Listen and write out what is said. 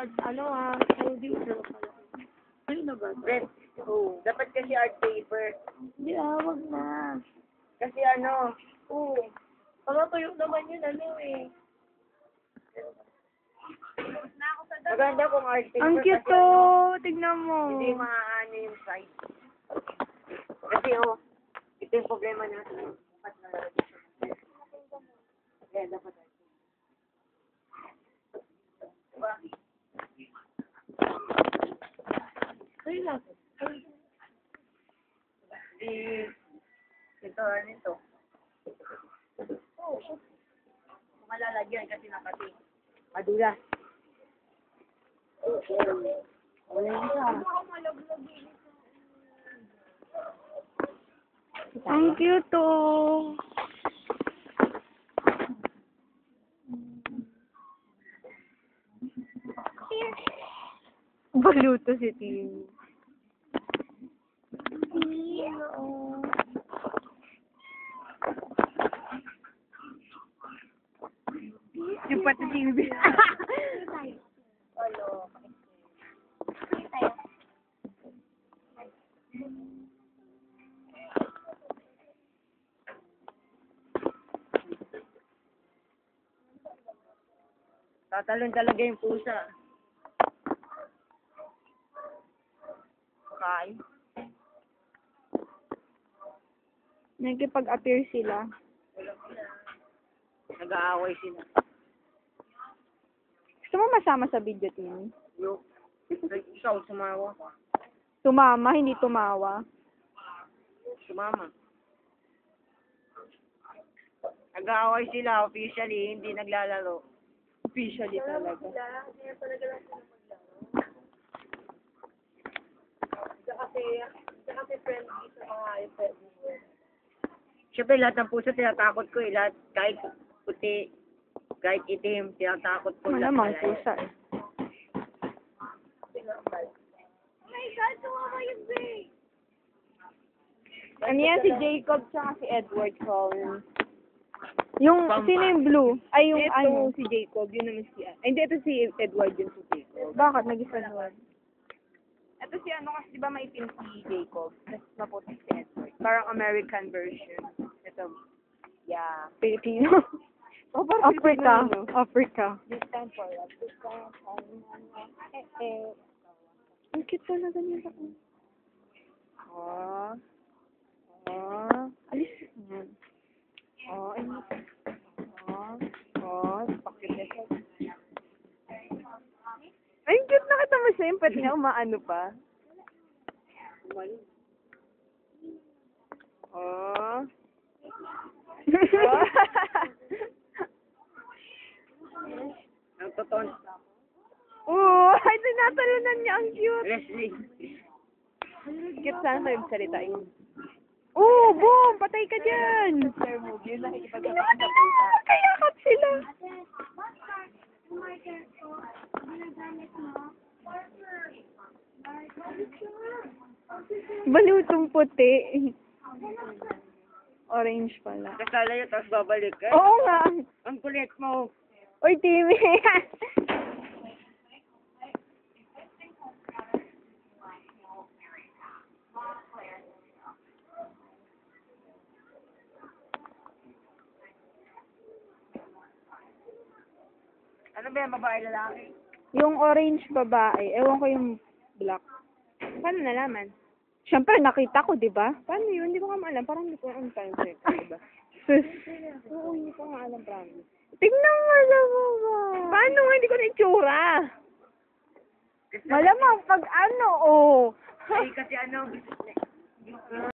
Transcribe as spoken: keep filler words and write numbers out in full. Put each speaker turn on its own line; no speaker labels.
ano ah, producer pala. Ano na ba?
Red. Oo. Dapat kasi art paper.
Hindi ah, wag na.
Kasi ano,
Oo. Pagkatuyo naman yun, ano eh.
maganda kung art paper.
Ang cute
kasi
to!
ano,
Tignan mo.
hindi maaano yung side. Kasi oh, ito yung problema natin. Dapat na kaya dapat art paper. Diba?
Ay, lang.
Di, ito, ano ito?
Oo.
Kung malalagyan kasi nakati. Madulas. Wala yun siya.
Ang cute to. Baluto si Tim. Yung pati si Ubi.
Tatalon talaga yung pusa. Okay.
Nagkipag-appear sila.
Nag-aaway sila.
Gusto mo masama sa video, Tim?
Yo. Ikaw, sumawa ka.
Tumama, hindi tumawa.
Sumama. Nag-aaway sila officially, hindi naglalaro.
Officially talaga.
Siyempre, lahat ng puso tinatakot ko eh. Lahat, kahit puti, kahit itim, tinatakot ko. lahat
Malamang
pala eh.
pusa eh. Ano yan, si Jacob tsaka si Edward Collins. Yung,
Pamba.
sino yung blue? Ay, yung
Ito,
ano?
si Jacob, yun naman si... Ay, hindi, ito si Edward, yun si Jacob.
Bakit? Nag-isa naman.
Ito si ano kasi, di ba maitim si Jacob? Tapos maputi si Edward. Parang American version. Ito. Yeah.
Filipino.
Oh, parang
Africa.
Filipino, no?
Africa.
This time for love. This time for love. Eh, eh.
Ang cute talaga nila.
Oh. Oh.
Alis. Yan.
Oh. Ano? Oh. Oh. Pakit ito.
Ay, ang cute, nakita mo siya. Yung pati niya umaano pa.
Oh.
Oh.
Ang totoo.
Oo, ay, tinatalunan niya. Ang cute.
Leslie.
Cute sana sa'yo salitain.
Oo, boom! Patay ka dyan!
Sir move, yun lang ikipag-
Kayakap sila. Balutong puti. Orange pala.
Kasala yun, tapos babalik ka.
Oo nga.
Ang kulit mo.
Uy, Timmy.
Ano ba yan, babae lalaki?
Yung orange babae, ewan ko yung black.
Paano nalaman?
Siyempre, nakita ko, di ba?
Paano yun? Hindi ko nga maalam. Parang hindi ko nga time check. Diba?
Sus.
Oo, hindi ko nga alam, promise.
Tignan mo, alam mo ba?
Paano nga? Hindi ko na itsura.
Malamang pag ano, oh.
Ay, kasi ano,